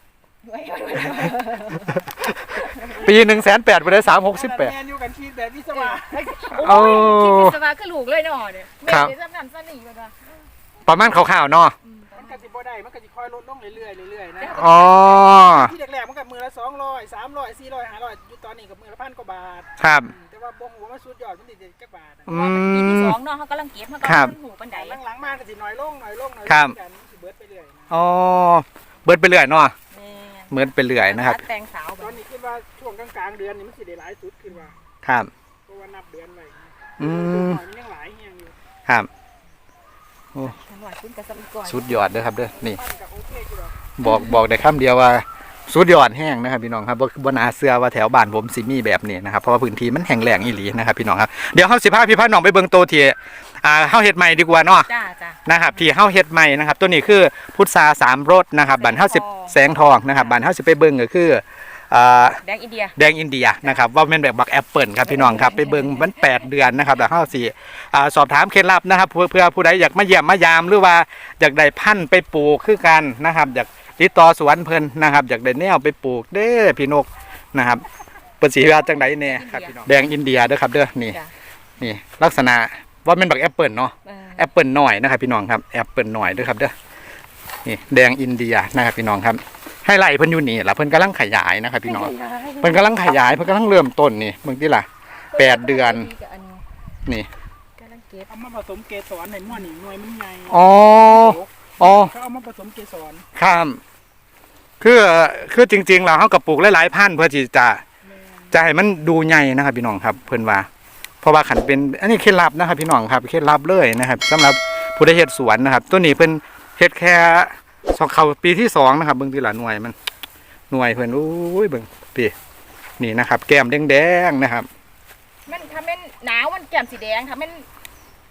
[SPEAKER 1] ปีหนึ่งแสนแปดพุ่นเด้สามหกสิบแปด
[SPEAKER 3] แม่นอยู่กันคิดแบบวิศวะ
[SPEAKER 2] โอ้ยคิดวิศวะคือลูกเลยเนาะเนี่ยแม่
[SPEAKER 1] ครับ
[SPEAKER 2] เดี๋ยวซ้ำนั่นซ้ำนี่ก็ได้
[SPEAKER 1] ประมาณคร่าวๆเนาะ
[SPEAKER 3] มันก็สิบ่ได้มันก็สิค่อยลดลงเรื่อยๆเรื่อยๆนะ
[SPEAKER 1] อ๋อ
[SPEAKER 3] ที่แรกๆมันก็มือละสองร้อยสามร้อยสี่ร้อยห้าร้อยอยู่ตอนนี้ก็มือละพันกว่าบาท
[SPEAKER 1] ครับ
[SPEAKER 3] แต่ว่าบ่ฮู้ว่ามันสุดยอดมันสิได้จักบาทอะ
[SPEAKER 1] อื
[SPEAKER 2] ปีที่
[SPEAKER 1] ม
[SPEAKER 2] สองเนาะเขากำลังเก็บเขาก็
[SPEAKER 1] ครับ
[SPEAKER 2] หูปันได
[SPEAKER 3] หลังๆมาก็สิน้อยลงน้อยลงน้อยลง
[SPEAKER 1] ครับ
[SPEAKER 3] กันสิเบิดไปเรื่อยนะ
[SPEAKER 1] อ๋อเบิดไปเรื่อยเนาะ
[SPEAKER 2] แม่
[SPEAKER 1] เหมือนไปเรื่อยนะครับ
[SPEAKER 2] ตัดแต่งสาว
[SPEAKER 3] ต
[SPEAKER 2] แบ
[SPEAKER 3] อน
[SPEAKER 2] บ
[SPEAKER 3] นี้คิดว่าช่วงกลางๆเดือนนี่มันสิได้หลายสุดคิดว่า
[SPEAKER 1] ครับ
[SPEAKER 3] เพราะว่านับเดือนไว้
[SPEAKER 1] อืม
[SPEAKER 3] มันยังหลายเฮียงอยู่
[SPEAKER 1] ครับ
[SPEAKER 2] ฉันว่าคุณกับสมัยก่อน
[SPEAKER 1] สุดยอดเด้อครับเด้อนี่
[SPEAKER 3] ปั้นกับโอเคอยู่หรอก
[SPEAKER 1] บอกบอกได้คำเดียวว่าสุดยอดแห้งนะครับพี่น้องครับบ่บ่น่าเชื่อว่าแถวบ้านผมสิมีแบบนี้นะครับเพราะว่าพื้นที่มันแห้งแล้งอีหลีนะครับพี่น้องครับเดี๋ยวเฮาสิพาพี่พาน้องไปเบิ่งโตวที่อ่าเฮาเฮ็ดใหม่ดีกว่าเนาะ
[SPEAKER 2] จ้าจ้า
[SPEAKER 1] นะครับที่เฮาเฮ็ดใหม่นะครับตัวนี้คือพุทราสามรสนะครับบ้านเฮาสิแสงทองนะครับบ้านเฮาสิไปเบิ่งก็คืออ่า
[SPEAKER 2] แดงอินเดีย
[SPEAKER 1] แดงอินเดียนะครับว่าแม่นแบบบักแอปเปิลครับพี่น้องครับไปเบิ่งมันแปดเดือนนะครับแล้วเฮาสิอ่าสอบถามเคล็ดลับนะครับเพื่อเพื่อผู้ใดอยากมาเยี่ยมมายามหรือว่าอยากได้พันธุ์ไปปลูกคือกันนะครับอยากติดต่อสวนเพิ่นนะครับอยากได้แนวไปปลูกเด้อพี่นกนะครับเปิ้นสิว่าจังไดแน่ครับพี่น้องแดงอินเดียเด้อครับเด้อนี่
[SPEAKER 2] จ้ะ
[SPEAKER 1] นี่ลักษณะว่าแม่นบักแอปเปิลเนาะ
[SPEAKER 2] เออ
[SPEAKER 1] แอปเปิลหน่อยนะครับพี่น้องครับแอปเปิลหน่อยเด้อครับเด้อนี่แดงอินเดียนะครับพี่น้องครับให้ไล่เพิ่นอยู่นี่ล่ะเพิ่นกำลังขยายนะครับพี่น้องเพิ่นกำลังขยายเพิ่นกำลังเริ่มต้นนี่เบิ่งติล่ะแปดเดือนนี่
[SPEAKER 2] กำลังเก็บ
[SPEAKER 3] เอามาผสมเกสรในหม้อนี่หน่วยมันใหญ่
[SPEAKER 1] อ๋ออ๋อ
[SPEAKER 3] เขาเอามาผสมเกสร
[SPEAKER 1] ครับคือคือจริงๆแล้วเฮาก็ปลูกหลายๆพันธุ์เพื่อที่จะจะให้มันดูใหญ่นะครับพี่น้องครับเพิ่นว่าเพราะว่าขันเป็นอันนี้เคล็ดลับนะครับพี่น้องครับเคล็ดลับเลยนะครับสำหรับผู้ใดเฮ็ดสวนนะครับตัวนี้เพิ่นเฮ็ดแค่สองเข้าปีที่สองนะครับเบิ่งทีละหน่วยมันหน่วยเพิ่นอุ้ยเบิ่งปีนี่นะครับ แก้มแดงๆนะครับ
[SPEAKER 2] มันทำเป็นหนาวมันแก้มสีแดงทำเป็น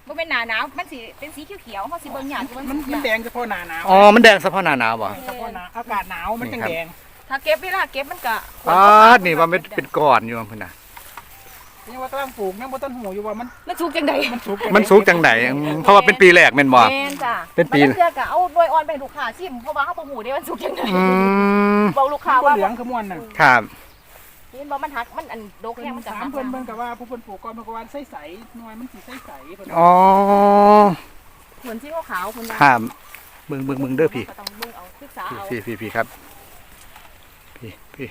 [SPEAKER 2] บ่เป็นหน้าหนาวมันสิเป็นสีเขียวๆเฮาสิเบิ่งหยาด
[SPEAKER 3] มั
[SPEAKER 2] มัน น
[SPEAKER 3] มันแดงเฉพาะหน้าหนาว
[SPEAKER 1] อ๋อมันแดงเฉพาะหน้าหนาวบ่
[SPEAKER 3] เฉพาะหน้าอากาศหนาวมันจังแดง
[SPEAKER 2] ถ้าเก็บเวลาเก็บมันก็
[SPEAKER 1] อ๋อนี่ว่ามันเป็นก้อนอยู่เพิ่นน่ะ
[SPEAKER 3] นี่ว่ากำลังปลูกยังบ่ต้นหูอยู่ว่ามัน
[SPEAKER 2] มันสุกจังได๋
[SPEAKER 3] มันสุก
[SPEAKER 1] มันสุกจังไดอืมเพราะว่าเป็นปีแรกแม่นบ่
[SPEAKER 2] แม่นจ้ะ
[SPEAKER 1] เป็นปี
[SPEAKER 2] มันเทื่อก็เอาโดยอ่อนไปให้ลูกค้าชิมเพราะว่าเฮาบ่ฮู้เด้ว่ามันสุกจังได๋
[SPEAKER 1] อืม
[SPEAKER 2] บอกลูกค้า
[SPEAKER 3] ข้าว
[SPEAKER 2] ว่า
[SPEAKER 3] เหลืองคือม่วนน่ะ
[SPEAKER 1] ครับ
[SPEAKER 2] เห็นบ่มันหักมันอันโดกแห้งมันจะ
[SPEAKER 3] ถา
[SPEAKER 2] หั
[SPEAKER 3] ม
[SPEAKER 2] ก
[SPEAKER 3] เพิ่นเบิ่งก็ว่าผู้เพิ่นปลูกก่อนเพิ่นก็ว่าใสๆหน่วยมันสิใสๆเพิ่น
[SPEAKER 1] อ๋อ
[SPEAKER 2] เหมือนสีขาวๆคุณ
[SPEAKER 1] ครับเบิ่งเบิ่งเบิ่งเด้อพี่
[SPEAKER 2] ก็ต้องเบิ่งเอาศึกษาเอา
[SPEAKER 1] พี่พี่พี่ครับพี่พี่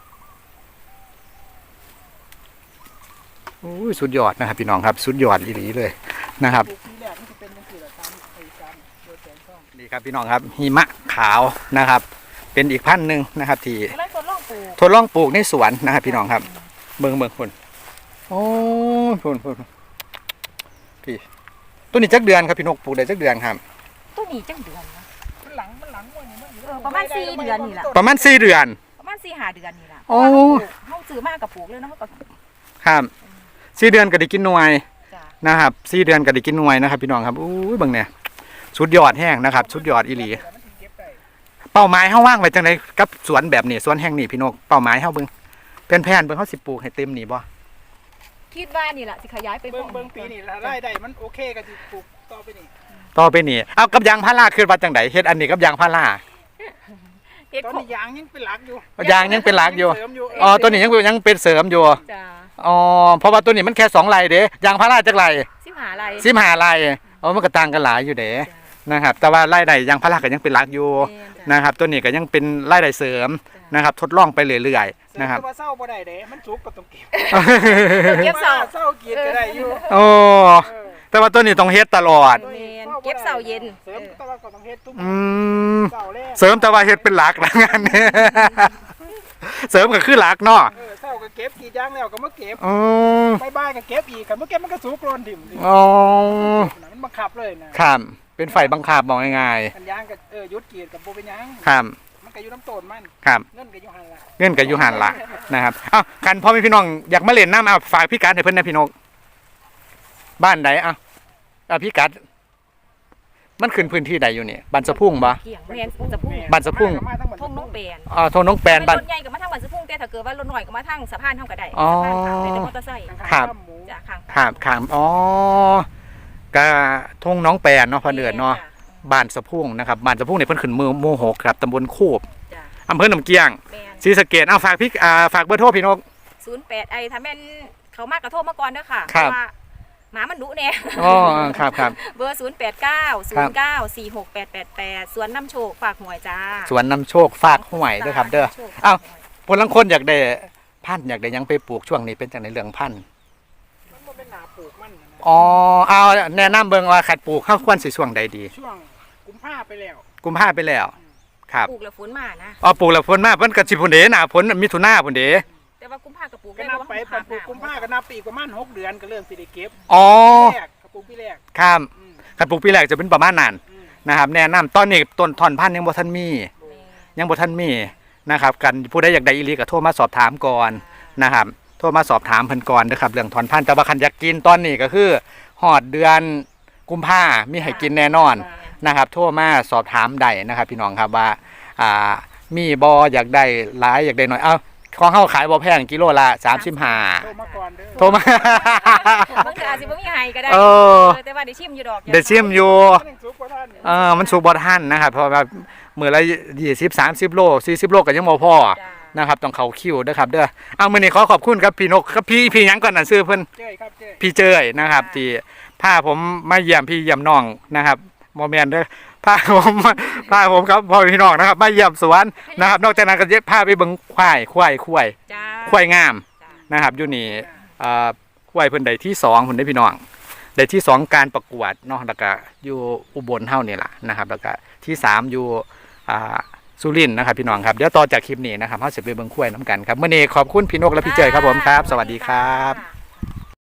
[SPEAKER 1] โอ้ยสุดยอดนะครับพี่น้องครับสุดยอดอีหลีเลยนะครับ
[SPEAKER 3] ปลูกทีแรกมันสิเป็นจังซี่ล่ะตามไอ้การโดยแสงช่อง
[SPEAKER 1] นี่ครับพี่น้องครับหิมะขาวนะครับ เป็นอีกพันธุ์หนึ่งนะครับที่
[SPEAKER 2] แล้วคนลองปลูก
[SPEAKER 1] ทดลองปลูกในสวนนะครับพี่น้องครับ เบิ่งเบิ่งคนโอ้ยคนคนพี่ตัวนี้จักเดือนครับพี่นกปลูกได้จักเดือนครับ
[SPEAKER 2] ตัวนี้จังเดือนนะ
[SPEAKER 3] มันหลังมันหลังม่วนนี่มัน
[SPEAKER 2] เออประมาณสี่เดือนนี่ล่ะ
[SPEAKER 1] ประมาณสี่เดือน
[SPEAKER 2] ประมาณสี่ห้าเดือนนี่ล่ะ
[SPEAKER 1] โอ้
[SPEAKER 2] เฮาซื้อมากับปลูกเลยเนาะเขาก็
[SPEAKER 1] ครับสี่เดือนก็ได้กินหน่วย
[SPEAKER 2] จ้ะ
[SPEAKER 1] นะครับสี่เดือนก็ได้กินหน่วยนะครับพี่น้องครับอู้ยเบิ่งเนี่ยสุดยอดแห้งนะครับสุดยอดอีหลี
[SPEAKER 3] มันสิเก็บได้
[SPEAKER 1] เป้าหมายเฮาว่างไว้จังไดกับสวนแบบนี้สวนแห่งนี้พี่นกเป้าหมายเฮาเบิ่งเป็นแผนเบิ่งเฮาสิปลูกให้เต็มนี่บ่
[SPEAKER 2] คิดว่านี่ล่ะสิขยายไป
[SPEAKER 3] เบิ่งเบิ่งปีนี้ละรายได้มันโอเคก็สิปลูกต่อไปนี่
[SPEAKER 1] ต่อไปนี่เอากับยางพาราคือว่าจังไดเฮ็ดอันนี้กับยางพารา
[SPEAKER 2] เฮ็ด
[SPEAKER 3] ตอน
[SPEAKER 2] ของ
[SPEAKER 3] นี้ยางยังเป็นหลักอยู่
[SPEAKER 1] ยางยังเป็นหลักอยู่
[SPEAKER 3] เสริมอยู่
[SPEAKER 1] อ๋อตัวนี้ยังเป็นยังเป็นเสริมอยู่
[SPEAKER 2] จ้ะ
[SPEAKER 1] อ๋อเพราะว่าตัวนี้มันแค่สองไร่เด้ยางพาราจักไร่
[SPEAKER 2] สิหาอะไร
[SPEAKER 1] สิบห้าไร่อ๋อมันก็ต่างกันหลายอยู่เด้นะครับแต่ว่าไร่ใดยางพาราก็ยังเป็นหลักอยู่นะครับตัวนี้ก็ยังเป็นไร่ใดเสริมนะครับทดลองไปเรื่อยๆนะครับ
[SPEAKER 3] แต่ว่าเศร้าบ่ได้เด้มันสุกก็ต้องเก็บ
[SPEAKER 2] เก็บเสา
[SPEAKER 3] เศร้ากินก็ได้อยู่
[SPEAKER 1] โอ้
[SPEAKER 3] เออ
[SPEAKER 1] แต่ว่าตัวนี้ต้องเฮ็ดตลอด
[SPEAKER 2] แม่นเก็บเสาเย็น
[SPEAKER 3] เสริมแต่ว่าก็ต้องเฮ็ดทุก
[SPEAKER 1] อืม
[SPEAKER 3] เสาแรก
[SPEAKER 1] เสริมแต่ว่าเฮ็ดเป็นหลักนะงานนี้ เสริมก็คือหลักเนาะ
[SPEAKER 3] เออเศร้าก็เก็บกี่ยางแล้วก็มาเก็บ
[SPEAKER 1] อ๋อ
[SPEAKER 3] บ่ายๆก็เก็บอีกคันบ่เก็บมันก็สุกโลนถิ่มดิ
[SPEAKER 1] อ๋อ
[SPEAKER 3] มันบังคับเลยนะครับ
[SPEAKER 1] เป็นไฟบังคับบอกง่าย
[SPEAKER 3] คันยางก็เออหยุดกรีดกับบ่เป็นหยัง
[SPEAKER 1] ๆครับ
[SPEAKER 3] มันก็อยู่น้ำต้นมัน
[SPEAKER 1] ครับ
[SPEAKER 3] เงินก็อยู่หั่นล่ะ
[SPEAKER 1] เงื่อนกับยูหันละนะครับเอ้ากันพ่อแม่พี่น้องอยากมาเล่นน้ำเอาฝากพี่กัดให้เพิ่นนะพี่นกบ้านใดอ่ะอ่ะพี่กัดมันขึ้นพื้นที่ใดอยู่นี่บ้านสะพุ่งบ่
[SPEAKER 2] เกี่ยงแม่นจะพุ่ง
[SPEAKER 1] บ้านสะพุ่ง
[SPEAKER 3] มาทั้งหมด
[SPEAKER 2] ทงน้องแปน
[SPEAKER 1] อ่าโทนน้องแปนบ้าน
[SPEAKER 2] รถใหญ่ก็มาทางบ้านสะพุ่งแต่ถ้าเกิดว่ารถน้อยก็มาทางสะพานเฮาก็ได้
[SPEAKER 1] อ๋อ
[SPEAKER 2] สะพานขามเป็นมอเตอร์ไซค์
[SPEAKER 1] ครับ
[SPEAKER 3] หมู
[SPEAKER 2] จ้ะข้าง
[SPEAKER 1] ขามขามอ๋อกะทงน้องแปนเนาะพอเดือนเนาะบ้านสะพุ่งนะครับบ้านสะพุ่งเนี่ยเพิ่นขึ้นมือโมโหกครับตำบลคูบ
[SPEAKER 2] จ้ะ
[SPEAKER 1] อำเภอหนองเกียง
[SPEAKER 2] แม่น
[SPEAKER 1] ศรีสะเกษเอาฝากพี่อ่าฝากเบอร์โทรพี่นก
[SPEAKER 2] ศูนย์แปดไอ้ถ้าแม่นเขามากกระโทษมาก่อนเด้อค่ะ
[SPEAKER 1] ครับ
[SPEAKER 2] เพาะว่าหมามันดุแน่
[SPEAKER 1] อ๋อครับครับ
[SPEAKER 2] เบอร์ศูนย์แปดเก้าศูนย์เก้าสี่หกแปดแปดแปดสวนน้ำโชคฝากหวยจ้า
[SPEAKER 1] สวนนำโชคฝากห้วยเด้อครับ เด้อ
[SPEAKER 2] โชค
[SPEAKER 1] เอ้า คนลังคนอยากได้พันธุ์อยากได้หยังไปปลูกช่วงนี้เป็นจังในเรื่องพันธุ์
[SPEAKER 3] มันบ่เป็นหนาปลูกมันนะ
[SPEAKER 1] อ๋อเอาแนะนำเบิ่งว่าขัดปลูกเข้าควรสิช่วงใดดี
[SPEAKER 3] ช่วงกุมภาไปแล้ว
[SPEAKER 1] กุมภาไปแล้ว ครับ
[SPEAKER 2] ปลูกแล้วฝนมานะ
[SPEAKER 1] อ๋อปลูกแล้วฝนมาเพิ่นก็สิพุ่นเด้หน้าฝนมิถุนาพุ่นเด้
[SPEAKER 2] แต่ว่ากุมภากับปลูก
[SPEAKER 3] ก็
[SPEAKER 2] ได้
[SPEAKER 3] นับ
[SPEAKER 2] เพราะ
[SPEAKER 3] ไป
[SPEAKER 2] ว่า
[SPEAKER 3] ปันปลูกกุมภาก็นับปีประมาณหกเดือนก็เริ่มสิได้เก็บ
[SPEAKER 1] อ๋อ
[SPEAKER 3] แรกกับปลูกปีแรก
[SPEAKER 1] ครับ
[SPEAKER 3] อืม
[SPEAKER 1] ขัดปลูกปีแรกจะเป็นประมาณนั้น
[SPEAKER 3] อืม
[SPEAKER 1] นะครับ แนะนำตอนนี้ต้นถอนพันธุ์ยังบ่ทันมี ยังบ่ทันมีนะครับกันผู้ใดอยากได้อีหลีก็โทรมาสอบถามก่อนนะครับ โทรมาสอบถามเพิ่นก่อนนะครับเรื่องถอนพันธุ์แต่ว่าคันอยากกินตอนนี้ก็คือฮอดเดือนกุมภามีให้กินแน่นอนนะครับ โทรมาสอบถามได้นะครับ พี่น้องครับว่าอ่ามีบ่อยากได้หลายอยากได้น้อยเอ้าของเฮาขายบ่แพงกิโลละสามสิบห้า
[SPEAKER 3] โทรมาก่อนเด้อ
[SPEAKER 1] โทรมา
[SPEAKER 2] บางทีอาจสิบ่มีให้ก็ได้
[SPEAKER 1] เออ
[SPEAKER 2] เออแต่ว่าได้ชิมอยู่ดอก
[SPEAKER 1] ได้ชิมอยู่
[SPEAKER 3] มันยังสุกกว่าท่าน
[SPEAKER 1] เออมันสุกบ่ทันนะครับเพราะว่ามื้อละยี่สิบ สามสิบโลสี่สิบโลก็ยังบ่พอ
[SPEAKER 2] จ้า
[SPEAKER 1] นะครับต้องเข้าคิวเด้อครับเด้อเอามื้อนี้ขอขอบคุณครับพี่นกครับพี่พี่หยังก่อนน่ะชื่อเพิ่น
[SPEAKER 3] เจ้ยครับเจ้ย
[SPEAKER 1] พี่เจยนะครับที่พาผมมาเยี่ยมพี่เยี่ยมน้องนะครับโมเมนต์เด้อพาผมพาผมครับพ่อพี่น้องนะครับมาเยี่ยมสวนนะครับนอกจากนั้นก็จะพาไปเบิ่งควายควายควาย
[SPEAKER 2] จ้า
[SPEAKER 1] ควายงาม
[SPEAKER 2] จ้า
[SPEAKER 1] นะครับอยู่นี่เอ่อควายเพิ่นได้ที่สองเพิ่นได้พี่น้องได้ที่สองการประกวดเนาะแล้วก็อยู่อุบลเฮานี่ล่ะนะครับแล้วก็ที่สามอยู่อ่าสุรินทร์นะครับพี่น้องครับเดี๋ยวต่อจากคลิปนี้นะครับเฮาสิไปเบิ่งควายน้ำกันครับมื้อนี้ขอบคุณพี่นกและพี่เจยครับผมครับ สวัสดีครับ
[SPEAKER 2] จ้า